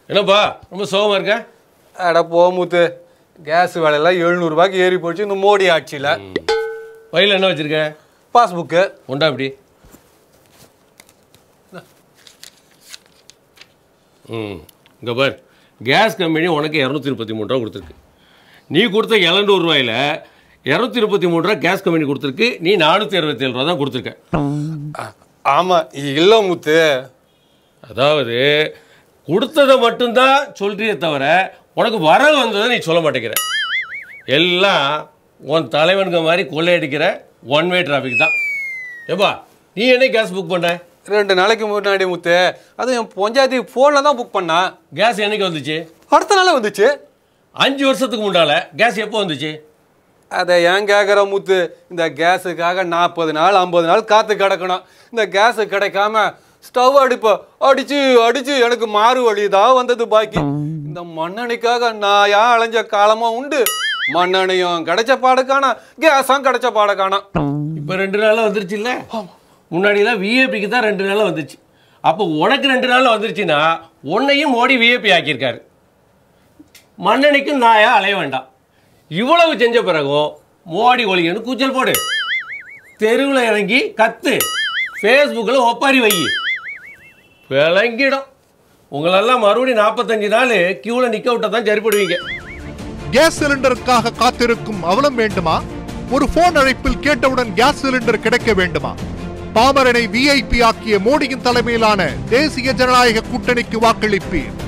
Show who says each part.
Speaker 1: என்னப்பா ரொம்ப சோகமா இருக்க?
Speaker 2: அட போமுத்து, கேஸ் விலையெல்லாம் 700 ரூபாய்க்கு ஏறி போச்சு இந்த மோடி ஆட்சியில்.
Speaker 1: வயலில் என்ன வச்சிருக்க?
Speaker 2: பாஸ்புக்கு
Speaker 1: உண்டா அப்படி? இங்கே பார், கேஸ் கம்பெனி உனக்கு 233 ரூபா கொடுத்துருக்கு. நீ கொடுத்த 700 ரூபாயில் 233 ரூபா கேஸ் கம்பெனி கொடுத்துருக்கு. நீ 467 ரூபா தான் கொடுத்துருக்க.
Speaker 2: ஆமாம் இல்லை முத்து.
Speaker 1: அதாவது கொடுத்ததை மட்டும்தான் சொல்றியே தவிர உனக்கு வரவு வந்ததை நீ சொல்ல மாட்டேங்கிற. எல்லாம் உன் தலைவனுங்க மாதிரி கொள்ளையடிக்கிற ஒன் வே டிராஃபிக் தான். ஏப்பா நீ என்ன கேஸ் புக் பண்ண?
Speaker 2: 2 நாளைக்கு முன்னாடி முத்து. அது என் பஞ்சாயத்து ஃபோனில் தான் புக் பண்ணா.
Speaker 1: கேஸ் என்னைக்கு வந்துச்சு?
Speaker 2: அடுத்த நாளே வந்துச்சு.
Speaker 1: 5 வருஷத்துக்கு முன்னால கேஸ் எப்போ வந்துச்சு?
Speaker 2: அதை ஏன் கேட்குற முத்து? இந்த கேஸுக்காக 40 நாள் 50 நாள் காத்து கிடக்கணும். இந்த கேஸு கிடைக்காம ஸ்டவ் அடிச்சு எனக்கு மாறு வழி தான் வந்தது பாக்கி. இந்த மண்ணெண்ணைக்காக நான் அலைஞ்ச காலமாக உண்டு. மண்ணெண்ணையும் கிடைச்ச பாடுக்கான, கேஸும் கிடைச்ச பாடுக்கான.
Speaker 1: இப்போ 2 நாளில் வந்துருச்சு இல்லை? முன்னாடிலாம் விஏபிக்கு தான் 2 நாளில் வந்துச்சு. அப்போ உனக்கு 2 நாளில் வந்துருச்சுன்னா உன்னையும் மோடி விஏபி ஆக்கியிருக்காரு. மண்ணெண்ணைக்கும் நாயா அலைய வேண்டாம். இவ்வளவு செஞ்ச பிறகும் மோடி ஒழிகன்னு கூச்சல் போடு, தெருவில் இறங்கி கத்து, ஃபேஸ்புக்கில் ஒப்பாரி வை, விளங்கிடும். உங்களெல்லாம் மறுபடியும் 45 நாள் கியூவில் நிற்க விட்டா தான் சரிப்படுவீங்க.
Speaker 3: கேஸ் சிலிண்டருக்காக காத்திருக்கும் அவலம் வேண்டுமா? ஒரு போன் அழைப்பில் கேட்டவுடன் கேஸ் சிலிண்டர் கிடைக்க வேண்டுமா? பாமரனை விஐபி ஆக்கிய மோடியின் தலைமையிலான தேசிய ஜனநாயக கூட்டணிக்கு வாக்களிப்பீர்.